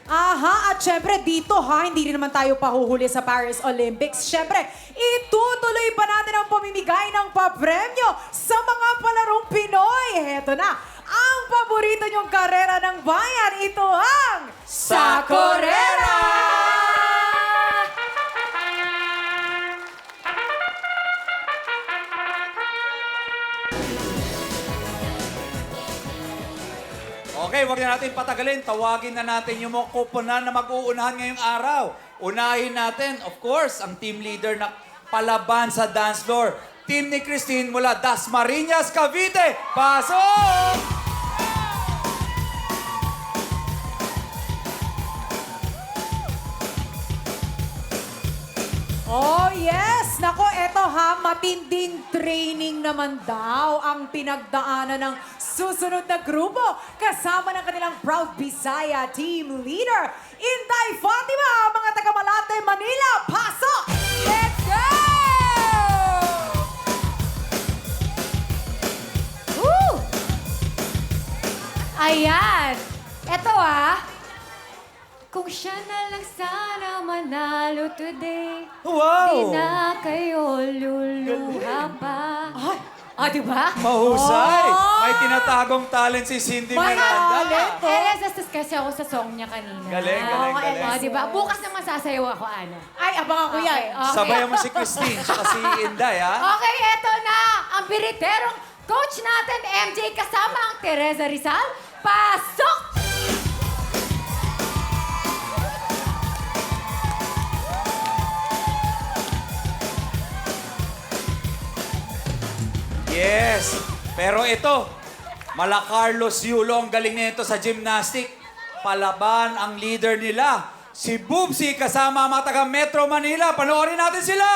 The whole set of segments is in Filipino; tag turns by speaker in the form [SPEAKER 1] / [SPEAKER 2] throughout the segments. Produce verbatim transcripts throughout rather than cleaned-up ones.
[SPEAKER 1] Aha, at syempre dito ha, hindi rin naman tayo pahuhuli sa Paris Olympics. Syempre, itutuloy pa natin ang pamimigay ng papremyo sa mga palarong Pinoy. Heto na, ang paborito niyong karera ng bayan, ito ang Sakorera!
[SPEAKER 2] Okay, wag na natin patagalin. Tawagin na natin yung mga kuponan na mag-uunahan ngayong araw. Unahin natin, of course, ang team leader na palaban sa dance floor. Team ni Christine mula Dasmariñas, Cavite. Pasok!
[SPEAKER 1] Oh yes! Nako, eto ha, matinding training naman daw ang pinagdaanan ng susunod na grupo kasama ng kanilang proud Bisaya team leader, Inday Fatima, mga taga Malate, Manila. Pasok! Let's go!
[SPEAKER 3] Woo! Ayan. Eto ah. Kung siya na lang sana manalo today,
[SPEAKER 2] Wow!
[SPEAKER 3] di na kayo luluha pa.
[SPEAKER 1] Ay,
[SPEAKER 3] Ah, di ba?
[SPEAKER 2] Mahusay!
[SPEAKER 1] Oh!
[SPEAKER 2] May tinatagong talent si Cindy
[SPEAKER 1] May
[SPEAKER 2] Miranda.
[SPEAKER 1] talent.
[SPEAKER 3] Eh, nasastas kasi ako sa song niya kanina.
[SPEAKER 2] Galing, galing,
[SPEAKER 3] Oo,
[SPEAKER 2] galing.
[SPEAKER 3] Oh, di ba? Bukas naman sasayaw ako, ano.
[SPEAKER 1] ay, abangan ko yan.
[SPEAKER 3] Okay, okay.
[SPEAKER 2] Sabayan mo si Christine at si Inday, ha?
[SPEAKER 3] Okay, eto na. Ang biriterong coach natin, M J, kasama ang Teresa Rizal. Pasok!
[SPEAKER 2] Yes. Pero ito, mala Carlos Yulo, ang galing nito sa gymnastic. Palaban ang leader nila, si Boobsy kasama ang mga taga Metro Manila. Panoorin natin sila.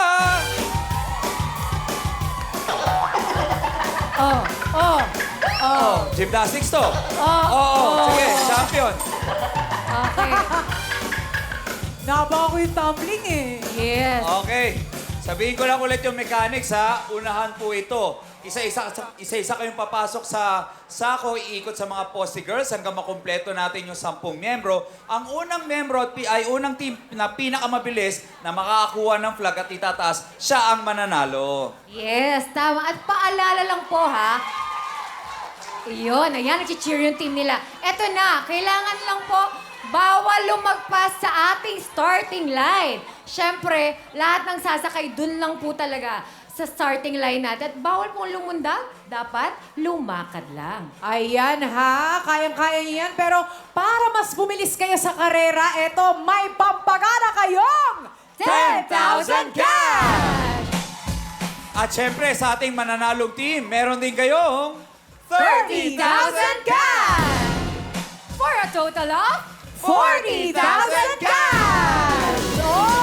[SPEAKER 3] Oh, oh,
[SPEAKER 2] Oh, gymnastics to.
[SPEAKER 3] oh.
[SPEAKER 2] Oo, sige, champion.
[SPEAKER 3] Okay.
[SPEAKER 1] Nabaka ko yung tumbling eh.
[SPEAKER 3] Yes.
[SPEAKER 2] Okay. Sabihin ko lang ulit yung mechanics, ha. Unahan po ito. Isa-isa isa-isa kayong papasok sa sako, iikot sa mga poste girls hanggang makumpleto natin yung sampung membro. Ang unang membro at pi- ay unang team na pinakamabilis na makakakuha ng flag at itataas, siya ang mananalo.
[SPEAKER 3] Yes, tama. At paalala lang po, ha? Iyon, ayan, nag-cheer yung team nila. Eto na, kailangan lang po, bawal lumagpas sa ating starting line. Siyempre, lahat ng sasakay, dun lang po talaga sa starting line natin. At bawal pong lumundag, dapat lumakad lang.
[SPEAKER 1] Ayan ha, kayang-kaya niyo yan. Pero para mas bumilis kayo sa karera, eto, may pampagana kayong ten thousand cash!
[SPEAKER 2] At syempre, sa ating mananalong team, meron din kayong
[SPEAKER 1] thirty thousand cash!
[SPEAKER 3] For a total of
[SPEAKER 1] forty thousand cash! Oh!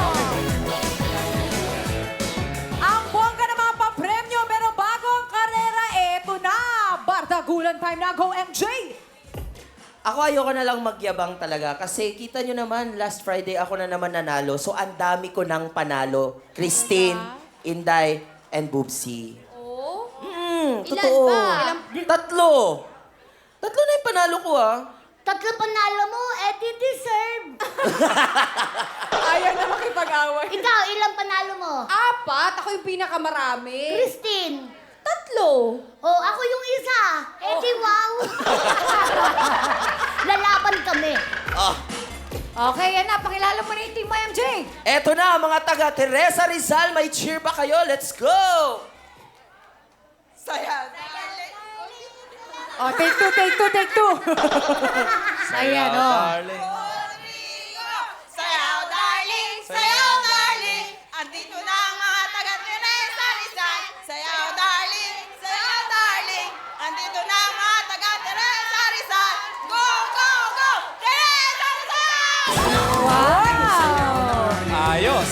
[SPEAKER 1] Ang bongga ng mga papremyo, pero bago ang karera, eto na! Bardagulan time na, go M J!
[SPEAKER 4] Ako ayoko na lang magyabang talaga kasi kita nyo naman, last Friday ako na naman nanalo. So ang dami ko nang panalo. Christine, Inday, and Boobsy.
[SPEAKER 3] Oh?
[SPEAKER 4] Hmm,
[SPEAKER 3] Ilan
[SPEAKER 4] totoo.
[SPEAKER 3] ba?
[SPEAKER 4] Tatlo. Tatlo na yung panalo ko ah.
[SPEAKER 5] Tatlo panalo mo, eh di deserve.
[SPEAKER 1] Ayaw na makipag-away.
[SPEAKER 5] Ikaw, ilang panalo mo?
[SPEAKER 3] Apat? Ako yung pinakamarami.
[SPEAKER 5] Christine.
[SPEAKER 3] Tatlo.
[SPEAKER 5] Oh, ako yung isa. Eh di wow. Lalaban kami.
[SPEAKER 3] Okay, yan na. Pakilala mo na yung team mo, M J.
[SPEAKER 4] Eto na, mga taga Teresa Rizal, may cheer ba kayo? Let's go! Saya.
[SPEAKER 1] Oh, take two, take two, take two.
[SPEAKER 3] Ayan, oh.
[SPEAKER 2] darling.
[SPEAKER 6] Sayaw, darling! Sayaw, darling! Andito na ang mga taga-Teresa Rizal. Sayaw, darling! Sayaw, darling! Andito na ang mga taga-Teresa Rizal. Go, go, go! Teresa Rizal!
[SPEAKER 3] Wow!
[SPEAKER 2] Ayos.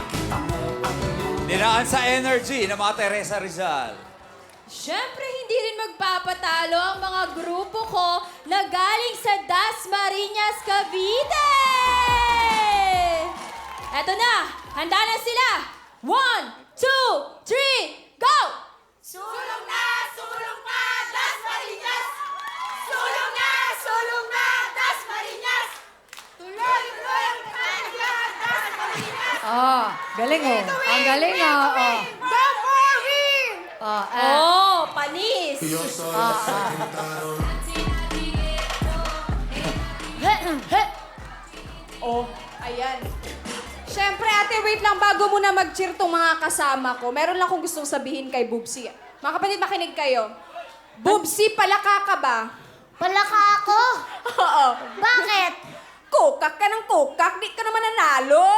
[SPEAKER 2] Dinaan sa energy ng mga Teresa Rizal.
[SPEAKER 7] Siyempre, hindi rin magpapatalo ang mga grupo ko na galing sa Dasmariñas, Cavite! Eto na! Handa na sila! One, two, three, go!
[SPEAKER 6] Sulong na! Sulong na! Dasmariñas! Sulong na! Sulong na! Dasmariñas!
[SPEAKER 3] Oh, galing oh. Ang galing oh. Oh.
[SPEAKER 1] Go for win!
[SPEAKER 3] Oh, ah.
[SPEAKER 7] Oh, panis!
[SPEAKER 6] Oh, ayan. Siyempre, ate, wait lang. Bago mo na mag-cheer tong mga kasama ko, meron lang akong gustong sabihin kay Bubsy. Mga kapatid, makinig kayo. Bubsy, palaka ka ba?
[SPEAKER 5] Palaka ako?
[SPEAKER 6] Oo.
[SPEAKER 5] Bakit?
[SPEAKER 6] Kukak ka ng kukak, di ka naman nanalo.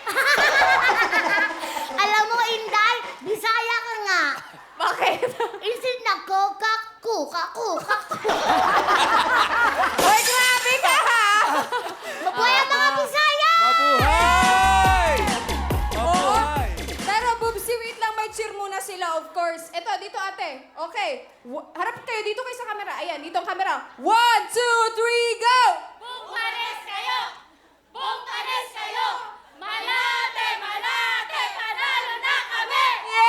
[SPEAKER 5] Alam mo, Inday, Bisaya ka nga.
[SPEAKER 6] Bakit?
[SPEAKER 5] Isin na kokak, kuka, kuka.
[SPEAKER 6] Hoy, grabe ka ha!
[SPEAKER 5] Mabuhay ang mga Bisaya!
[SPEAKER 2] Mabuhay! Mabuhay!
[SPEAKER 6] Pero Bubsy, wait lang, may cheer muna sila, of course. Eto, dito ate. Okay. W- harap kayo, dito kayo sa camera. Ayan, dito ang camera. One, two, three, go!
[SPEAKER 7] Bungkares kayo! Bungkares kayo! Malate, malate, panalo na kami!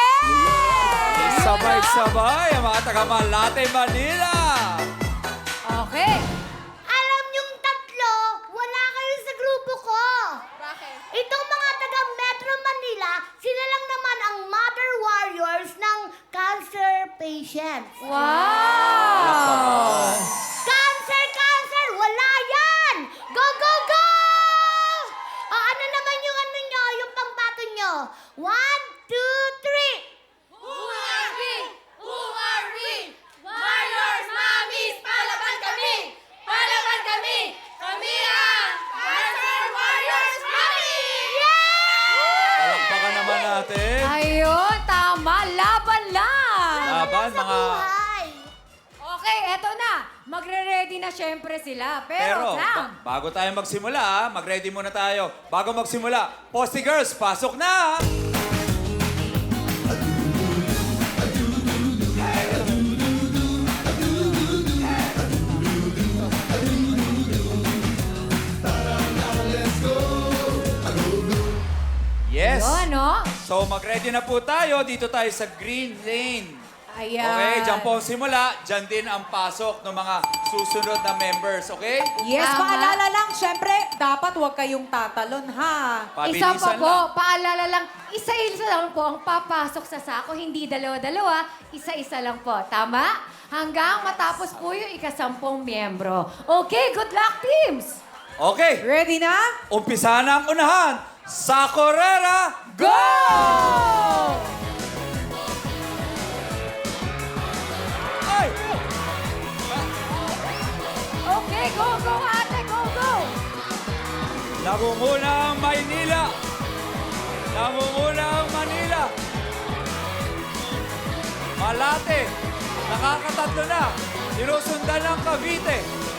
[SPEAKER 2] Sabay-sabay ang mga taga-Malate, Manila!
[SPEAKER 3] Okay.
[SPEAKER 5] Alam niyong tatlo, wala kayo sa grupo ko.
[SPEAKER 6] Bakit?
[SPEAKER 5] Itong mga taga Metro Manila, sila lang naman ang mother warriors ng cancer patients.
[SPEAKER 3] Wow.
[SPEAKER 5] Cancer, cancer! Wala yan! Go, go, go! O, ano naman yung ano nyo, yung pangbato nyo? One, two, three!
[SPEAKER 7] Who are we? Who are we? Warriors, mommies, palaban kami! Palaban kami! Kami ang Cancer Warriors, mommy!
[SPEAKER 2] Palakpakan naman natin.
[SPEAKER 3] Ayun, tama. Laban lang.
[SPEAKER 2] Laban,
[SPEAKER 5] Sa
[SPEAKER 2] mga...
[SPEAKER 5] buhay!
[SPEAKER 3] Okay, eto na. Magre-ready na syempre sila. Pero,
[SPEAKER 2] Pero,
[SPEAKER 3] Sam,
[SPEAKER 2] ba- bago tayo magsimula, ah, mag-ready muna tayo. Bago magsimula, Posty Girls, pasok na! Yes!
[SPEAKER 3] yun, no?
[SPEAKER 2] So, mag-ready na po tayo. Dito tayo sa Green Lane.
[SPEAKER 6] Ayan.
[SPEAKER 2] Okay, dyan po ang simula. Dyan din ang pasok ng mga susunod na members, okay?
[SPEAKER 1] Yes,
[SPEAKER 3] Tama.
[SPEAKER 1] paalala lang, syempre, dapat huwag kayong tatalon, ha?
[SPEAKER 3] Isa pa
[SPEAKER 2] Pabilisan
[SPEAKER 3] po,
[SPEAKER 2] lang.
[SPEAKER 3] paalala lang, isa-isa lang po ang papasok sa sako, hindi dalawa-dalawa, isa-isa lang po. Tama? Hanggang matapos po yung ikasampung miyembro. Okay, good luck, teams!
[SPEAKER 2] Okay,
[SPEAKER 1] Ready na?
[SPEAKER 2] umpisa na ang unahan. Sa Correra, go! Ay!
[SPEAKER 3] Okay, go, go, ate, go, go!
[SPEAKER 2] Nangunguna ang Maynila. Nangunguna ang Manila. Malate. Nakakatatlo na. Sinusundan ng Cavite.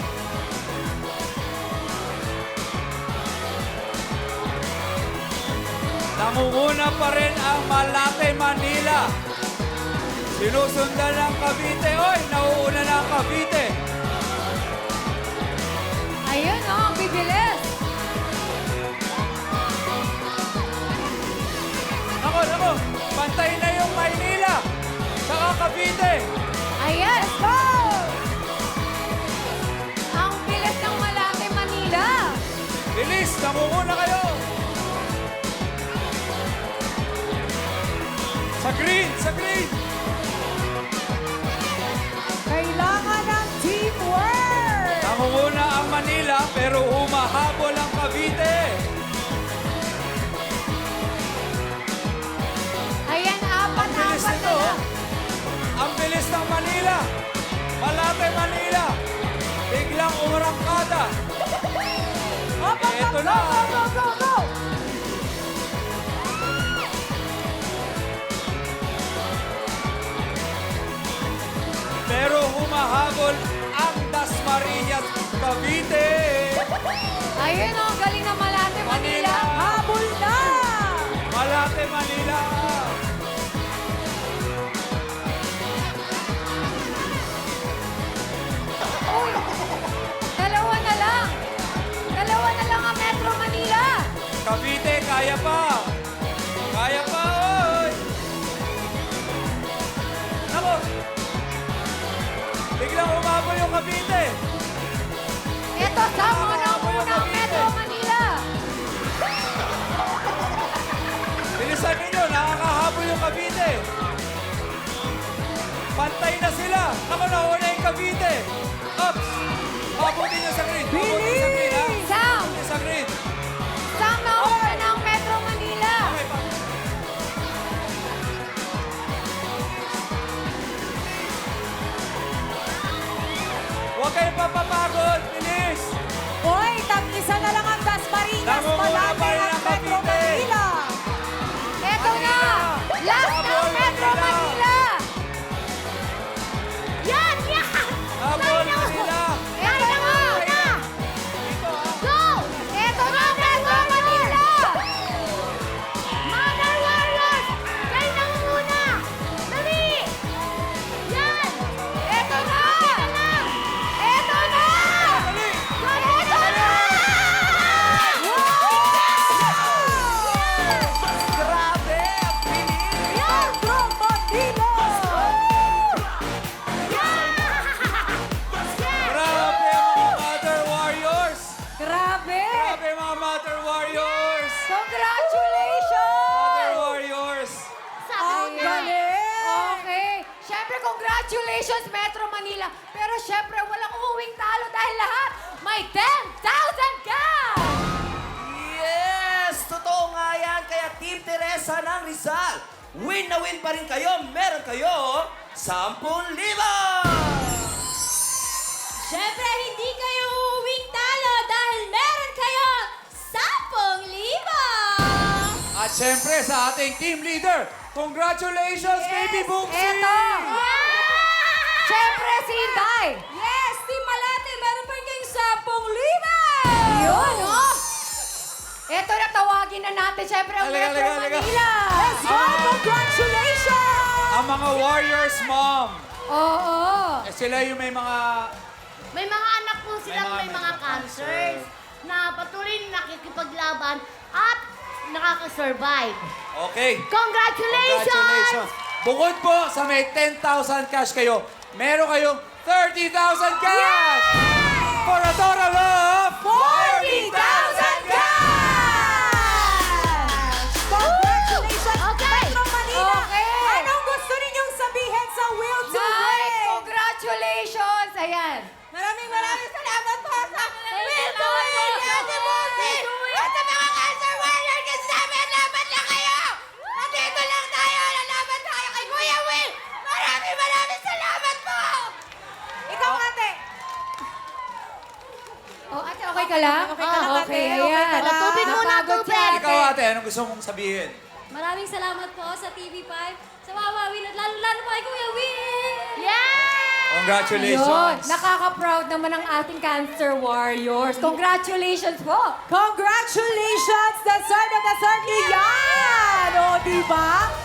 [SPEAKER 2] Nangunguna pa rin ang Malate, Manila. Sinusundan ng Cavite. Oy, nauuna na ang Cavite.
[SPEAKER 3] Ayun, oh, ang bibilis.
[SPEAKER 2] Ako, ako. Pantay na yung Maynila. Saka Cavite.
[SPEAKER 3] Ayan, let's go! Ang bilis ng Malate, Manila.
[SPEAKER 2] Bilis, nangunguna kayo. Sa green, sa green.
[SPEAKER 1] Kailangan ng teamwork!
[SPEAKER 2] Nangunguna ang Manila pero humahabol ang Cavite.
[SPEAKER 3] Ayan, apat,
[SPEAKER 2] Ang bilis
[SPEAKER 3] apat na
[SPEAKER 2] nito.
[SPEAKER 3] lang.
[SPEAKER 2] Ang bilis ng Manila. Malate, Manila. Biglang umurangkada. Eto na.
[SPEAKER 1] Go, go, go, go!
[SPEAKER 2] Pero humahabol ang Dasmariñas, Cavite.
[SPEAKER 3] Ayun, oh, galing ng Malate, Manila.
[SPEAKER 1] Habol na!
[SPEAKER 2] Malate, Manila.
[SPEAKER 3] Uy, dalawa na lang. Dalawa na lang ang Metro Manila.
[SPEAKER 2] Cavite, kaya pa. Kaya pa, oy. Nako. Biglang umabol yung Cavite.
[SPEAKER 3] Ito, sama na muna ang Metro Manila.
[SPEAKER 2] Pantay na sila. Ako na una yung Cavite. Ups. Pabuti niyo sa green. Pabuti niyo sa green, ha?
[SPEAKER 3] Sam!
[SPEAKER 2] Pabuti sa green.
[SPEAKER 3] Sam na una ng Metro Manila.
[SPEAKER 2] Okay, pa. Huwag kayong papapagod. Bilis.
[SPEAKER 1] Hoy, tag-isa na lang ang Dasmariñas.
[SPEAKER 2] Namumula
[SPEAKER 1] Malapit
[SPEAKER 2] pa rin
[SPEAKER 1] ang
[SPEAKER 2] ang
[SPEAKER 1] Metro
[SPEAKER 2] Cavite.
[SPEAKER 1] Manila.
[SPEAKER 3] Eto na! Last ng
[SPEAKER 2] Habol,
[SPEAKER 3] Metro
[SPEAKER 2] Manila.
[SPEAKER 3] Manila!
[SPEAKER 5] Yan! Yan!
[SPEAKER 2] Habol, Manila.
[SPEAKER 3] Eto na!
[SPEAKER 5] Go!
[SPEAKER 3] Eto na, Metro Manila!
[SPEAKER 5] Mother Warriors! Kayo na muna! Dali! Yan!
[SPEAKER 3] Eto na!
[SPEAKER 5] Ito lang!
[SPEAKER 3] Eto na!
[SPEAKER 2] Dali.
[SPEAKER 3] Eto na!
[SPEAKER 4] Grabe! Ang bilis!
[SPEAKER 1] Metro Manila.
[SPEAKER 2] Grabe mga Mother Warriors.
[SPEAKER 1] Grabe.
[SPEAKER 2] Grabe mga Mother Warriors.
[SPEAKER 3] Congratulations!
[SPEAKER 2] Mother Warriors.
[SPEAKER 1] Ang galing.
[SPEAKER 3] Okay. Siyempre, congratulations, Metro Manila. Pero siyempre, walang uuwing talo dahil lahat may ten thousand ka!
[SPEAKER 4] Yes! Totoo nga yan. Kaya Team Teresa ng Rizal, win na win pa rin kayo. Meron kayo ten libo!
[SPEAKER 7] Siyempre, hindi kayo uuwing talo dahil meron kayo sampung libo!
[SPEAKER 2] At syempre sa ating team leader, congratulations, baby Boomsy!
[SPEAKER 3] Eto! Siyempre, si Inday!
[SPEAKER 7] Yes, Team Malate, meron pa rin kayong sampung libo!
[SPEAKER 3] Yun, oh! Eto na, tawagin na natin, siyempre, ang
[SPEAKER 2] Halika,
[SPEAKER 3] Metro
[SPEAKER 2] halika, halika.
[SPEAKER 3] Manila!
[SPEAKER 1] Let's go. Congratulations.
[SPEAKER 2] Ang mga Warriors, mom.
[SPEAKER 3] Oo!
[SPEAKER 2] Eh, sila yung may mga...
[SPEAKER 5] May mga anak po silang
[SPEAKER 2] mga-
[SPEAKER 5] may,
[SPEAKER 2] may
[SPEAKER 5] mga
[SPEAKER 2] mga
[SPEAKER 5] cancers na patuloy na nakikipaglaban at nakaka-survive.
[SPEAKER 2] Okay.
[SPEAKER 5] Congratulations!
[SPEAKER 2] Congratulations. Bukod po sa may ten thousand cash kayo, meron kayong thirty thousand cash! For a total of
[SPEAKER 1] forty thousand cash! Congratulations,
[SPEAKER 5] Okay.
[SPEAKER 1] Metro Manila!
[SPEAKER 3] Okay.
[SPEAKER 1] Anong gusto ninyong sabihin sa Will to
[SPEAKER 3] Nay,
[SPEAKER 1] Win?
[SPEAKER 3] congratulations! Ayan!
[SPEAKER 1] Maraming maraming salamat po sa
[SPEAKER 7] Will to Win, Ate Bossy! At sa mga cancer warriors, kasi sabi, laban lang kayo! Nandito lang tayo, lalaban tayo kay Kuya Will! Maraming maraming salamat po!
[SPEAKER 1] Ikaw, ate.
[SPEAKER 3] Oh, ate, okay ka lang?
[SPEAKER 1] Okay ka lang, ate.
[SPEAKER 3] Okay,
[SPEAKER 1] Okay
[SPEAKER 3] ayan.
[SPEAKER 1] ka lang.
[SPEAKER 5] Tubig muna,
[SPEAKER 3] Napagod si
[SPEAKER 5] tubig.
[SPEAKER 3] ate.
[SPEAKER 2] Ikaw ate, anong gusto mong sabihin?
[SPEAKER 7] Maraming salamat po sa T V five, sa Wawa Will, at lalo-lalo po kay Kuya Will!
[SPEAKER 5] Yeah!
[SPEAKER 3] Yun,
[SPEAKER 2] Congratulations.
[SPEAKER 3] nakaka-proud naman ang ating Cancer Warriors. Congratulations po!
[SPEAKER 1] Congratulations! Dasar na dasar niyo yan! O, diba?